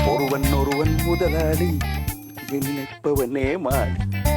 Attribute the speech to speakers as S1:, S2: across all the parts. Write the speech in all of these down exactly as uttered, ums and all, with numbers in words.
S1: ഒരുവൻ ഒരുവൻ മുതലാളി നിന്നെപ്പവനേ മാറി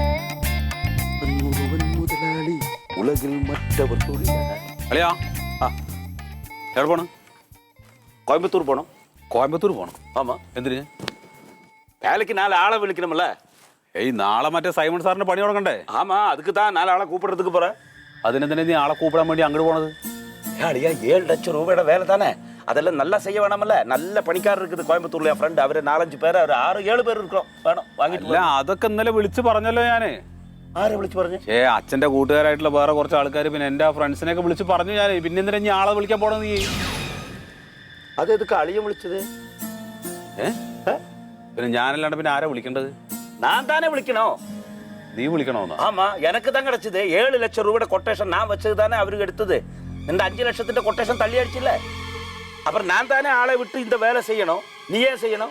S1: ഒരുവൻ മുതലാളി ഉലകിൽ മറ്റവർ തൊഴിലാളി.
S2: അളിയാ
S1: ആ
S2: എവിടെ പോണം?
S1: കോയമ്പത്തൂർ പോണം.
S2: കോയമ്പത്തൂർ പോണം.
S1: ആമാ.
S2: എന്തിന്?
S1: வேலைக்கு நாலு ஆளை விളിக்கணும்ல.
S2: ഏയ് നാളെ മറ്റേ സൈമൺ സാറിന്റെ പണി തുടങ്ങണ്ടേ?
S1: ஆமா, அதுக்கு தான் நாலு ஆளை கூப்பிடுறதுக்கு போறேன்.
S2: അതിനെന്തിനാ നീ ആളെ കൂപ്പിടാൻ വേണ്ടി അങ്ങോട്ട് പോണത്?
S1: ஏழியா ஏழு லட்சம் ரூபாயோட வேலை தானே, அதெல்லாம் நல்லா செய்ய வேணாமல்ல. நல்ல பணிக்காரர் இருக்குது கோயம்புத்தூர்ல. என் ஃப்ரெண்ட் அவரு நாலஞ்சு பேர், ஒரு ஆறு ஏழு பேர் இருக்கிறோம். വേണം വാങ്ങിട്ട്.
S2: അല്ല അതൊക്കെ ഇന്നലെ വിളിച്ച് പറഞ്ഞല്ലോ ഞാന്.
S1: ആരെ വിളിച്ചു പറഞ്ഞു?
S2: ഏ അച്ഛന്റെ കൂട്ടുകാരായിട്ടുള്ള വേറെ കുറച്ച് ആൾക്കാർ പിന്നെ എന്റെ ഫ്രണ്ട്സിനെയൊക്കെ വിളിച്ച് പറഞ്ഞു ഞാൻ. പിന്നെ എന്തിനാ നീ ആളെ വിളിക്കാൻ പോണത് നീ?
S1: അത് എതുക്ക് അളിയൻ വിളിച്ചത്?
S2: ഏ പിന്നെ ഞാനല്ലാണ്ട് പിന്നെ ആരാ വിളിക്കേണ്ടത്?
S1: நான் தானே விളിക്കണോ?
S2: നീ വിളിക്കണോന്നോ?
S1: ஆமா, எனக்கு தான் கிடைச்சது. ஏழு லட்சம் ரூபாயோட கொட்டேஷன் நான் வச்சது தானே அவருக்கு எடுத்தது. இந்த அஞ்சு லட்சത്തിന്റെ கொட்டேஷன் தள்ளி அடிச்சில்ல. அப்புறம் நான் தானே ஆளை விட்டு இந்த வேலை செய்யணும். நீ ஏன் செய்யணும்?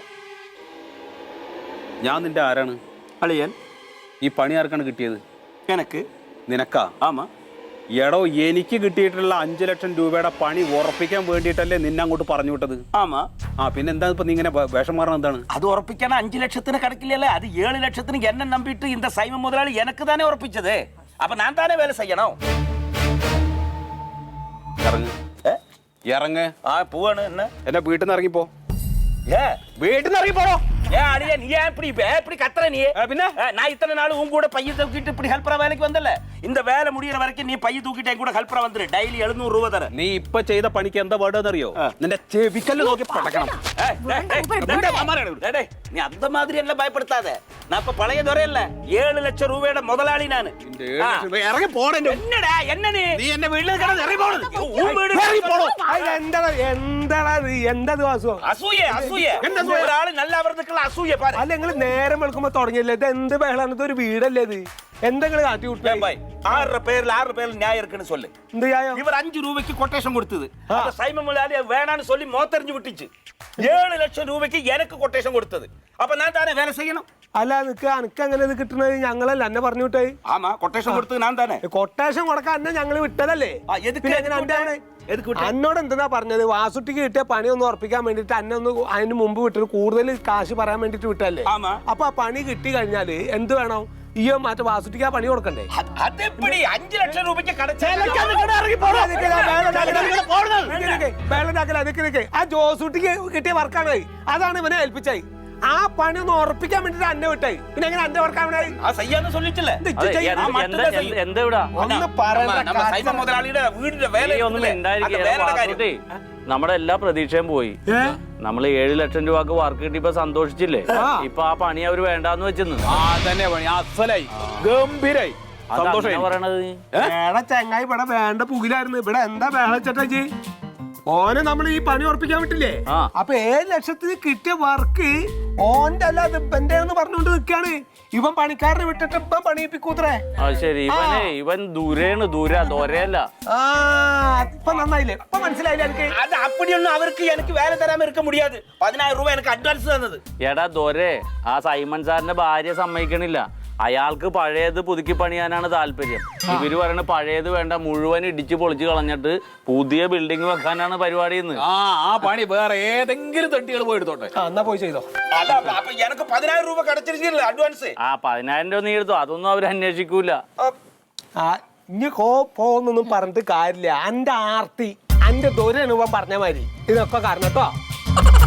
S2: ഞാൻ നിന്റെ ആരാണ്?
S1: അളിയൻ.
S2: ഈ പണി ആർക്കാണ് കിട്ടിയത്?
S1: எனக்கு.
S2: നിനക്കാ?
S1: ஆமா.
S2: എടോ എനിക്ക് കിട്ടിയിട്ടുള്ള അഞ്ചു ലക്ഷം രൂപയുടെ പണി ഉറപ്പിക്കാൻ വേണ്ടിയിട്ടല്ലേ നിന്നെ അങ്ങോട്ട് പറഞ്ഞു വിട്ടത്?
S1: ஆமா.
S2: ആ പിന്നെ എന്താ ഇപ്പൊ നീ ഇങ്ങനെ വേഷം മാറണം? എന്താണ്
S1: അത് ഉറപ്പിക്കാൻ? അഞ്ചു ലക്ഷത്തിന് കിടക്കില്ലല്ലേ, അത് ഏഴ് ലക്ഷത്തിന് എന്നെ നമ്പിട്ട് இந்த സൈമൺ മുതലാളി എനിക്ക് തന്നെ ഉറപ്പിച്ചത്. അപ്പൊ ഞാൻ തന്നെ വേല ചെയ്യണോ?
S2: ഇറങ്ങ് ഇറങ്ങ്.
S1: ആ പോവാണ്. എന്നെ
S2: എന്നെ വീട്ടിൽ നിന്ന് ഇറങ്ങിപ്പോ.
S1: ஏ
S2: വീട്ടിൽ നിന്ന് ഇറങ്ങിപ്പോടോ.
S1: ஏ அடியா, நீ ஏன் இப்படி இப்படி கத்துற? நீ
S2: പിന്നെ
S1: நான் இத்தனை நாள் உன் கூட பைய தூக்கிட்டு இப்படி ஹெல்ப்பரா வேலைக்கு வந்தல. இந்த வேலை முடியற வரைக்கும் நீ பைய தூக்கிட்டு என் கூட ஹெல்ப்பரா வந்துரு. டெய்லி எழுநூறு രൂപ തര.
S2: നീ ഇപ്പൊ ചെയ്ത പണിക്ക് എന്താ വേണ്ടതെന്നറിയോ? നിന്റെ ചെവിക്കല്ല് നോക്കി പടക്കണം.
S1: நீ அந்த மாதிரி எல்லாம் பயப்படுத்தாத. நான் இப்ப பழைய துறையல்ல, ஏழு லட்சம் ரூபாயோட முதலாளி நானு.
S2: ഇറങ്ങി പോടേ.
S1: என்னடா என்ன நீ?
S2: നീ എന്നെ വീട്ടിൽ ഇറങ്ങി പോണത്.
S3: എന്തത് വാസു?
S1: അസൂയ അസൂയ. ഒരാള് നല്ല അവർക്ക് അസൂയ പാரு.
S3: അല്ല നിങ്ങൾ നേരം വെളുക്കുമ്പോ തുടങ്ങിയല്ലേ? ഇത് എന്ത് ബഹളാണ്? ഇതൊരു വീടല്ലേ ഇത്? എന്തെങ്കിലും കാട്ടി വിട്ടേ?
S1: ആറ് പേരിൽ ആറ് പേരിൽ ന്യായം இருக்குன்னு சொல்லு.
S3: എന്ത് ന്യായം?
S1: ഇവർ അഞ്ചു രൂപയ്ക്ക് കൊട്ടേഷൻ കൊടുത്തത്. അപ്പൊ സൈമൺ മുതലാളി വേണാന്ന് சொல்லி മോത്തെറിഞ്ഞു വിട്ടിച്ച് ഏഴ് ലക്ഷം രൂപയ്ക്ക് എനിക്ക് കൊട്ടേഷൻ കൊടുത്തത്. അപ്പൊ ഞാൻ താനെ വേല ചെയ്യണം.
S3: അല്ല നിക്ക് അനക്ക് അങ്ങനെ ഇത് കിട്ടണത് ഞങ്ങളല്ല എന്നെ പറഞ്ഞു വിട്ടേ.
S1: ആമാ, കൊട്ടേഷൻ കൊടുത്തത് ഞാൻ തന്നെ.
S3: കൊട്ടേഷൻ കൊടുക്കാൻ എന്നെ ഞങ്ങള് വിട്ടതല്ലേ? എന്നോട് എന്തെന്നാ പറഞ്ഞത്? വാസുട്ടിക്ക് കിട്ടിയ പണി ഒന്ന് ഉറപ്പിക്കാൻ വേണ്ടിട്ട് അന്നെ ഒന്ന് അതിന് മുമ്പ് വിട്ടത്, കൂടുതൽ കാശ് പറയാൻ വേണ്ടിട്ട് വിട്ടല്ലേ? അപ്പൊ ആ പണി കിട്ടി കഴിഞ്ഞാല് എന്ത് വേണം? ഈയോ മറ്റേ വാസുട്ടിക്ക് ആ പണി കൊടുക്കണ്ടേ?
S1: അഞ്ചു ലക്ഷം രൂപയ്ക്ക്
S3: ആ ജോസൂട്ടിക്ക് കിട്ടിയ വർക്കാണ്. അതാണ് ഇവനെ ഏൽപ്പിച്ചായി. ആ പണി ഒന്ന് ഉറപ്പിക്കാൻ വേണ്ടിട്ട് അന്നെ വിട്ടായി. പിന്നെ എങ്ങനെ അന്റെ വർക്കാണ്?
S4: നമ്മുടെ എല്ലാ പ്രതീക്ഷയും പോയി. നമ്മള് ഏഴ് ലക്ഷം രൂപക്ക് വർക്ക് കിട്ടിയപ്പോ സന്തോഷിച്ചില്ലേ? ഇപ്പൊ ആ പണി അവര് വേണ്ടാന്ന് വെച്ചെന്ന്.
S2: തന്നെ പണി അസലായി, ഗംഭീരായി.
S4: പറയണത്
S3: വേള ചങ്ങായി ഇവിടെ വേണ്ട പുകിലായിരുന്നു. ഇവിടെ എന്താ വേള ചേട്ടാജി? ഓനെ നമ്മൾ ഈ പണി ഉറപ്പിക്കാൻ വിട്ടില്ലേ? അപ്പൊ ഏഴ് ലക്ഷത്തിന് കിട്ടിയ വർക്ക് ഓന്റെ അല്ല, ഇവന്റെ പറഞ്ഞുകൊണ്ട് നിൽക്കാണ്. ഇവൻ പണിക്കാരനെ വിട്ടിട്ട് ഇപ്പം പണിയിപ്പിക്കൂത്രേ.
S4: ശരി, ഇവനെ ഇവൻ ദൂരെയാണ്, ദൂര ദോരയല്ല.
S3: ആ ഇപ്പൊ നന്നായില്ലേ? ഇപ്പൊ മനസ്സിലായില്ലേ എനിക്ക്?
S1: അത് അപ്പടിയൊന്നും അവർക്ക് എനിക്ക് വേല തരാൻ ഇരുക്ക മുടിയാത്. പതിനായിരം രൂപ എനിക്ക് അഡ്വാൻസ് തന്നത്.
S4: എടാ ദോരെ, ആ സൈമൺ സാറിന്റെ ഭാര്യ സമ്മതിക്കണില്ല. അയാൾക്ക് പഴയത് പുതുക്കി പണിയാനാണ് താല്പര്യം. ഇവര് പറയണ പഴയത് വേണ്ട, മുഴുവൻ ഇടിച്ചു പൊളിച്ച് കളഞ്ഞിട്ട് പുതിയ ബിൽഡിംഗ് വെക്കാനാണ് പരിപാടി.
S2: ആ ആ പണി വേറെ ഏതെങ്കിലും തട്ടികൾ പോയി എടുത്തോട്ടെ.
S3: എന്നാ പോയി ചെയ്തോ.
S1: എനിക്ക് പതിനായിരം രൂപ കടച്ചിരിക്കില്ല അഡ്വാൻസ്.
S4: ആ പതിനായിരം രൂപ നീ എടുത്തോ, അതൊന്നും അവർ അന്വേഷിക്കൂല.
S3: ഇനി കോ പോന്നൊന്നും പറഞ്ഞിട്ട് കാര്യമില്ല. എന്റെ ആർത്തി എന്റെ ദൂരം പറഞ്ഞ മാതിരി ഇതൊക്കെ കാരണം കേട്ടോ.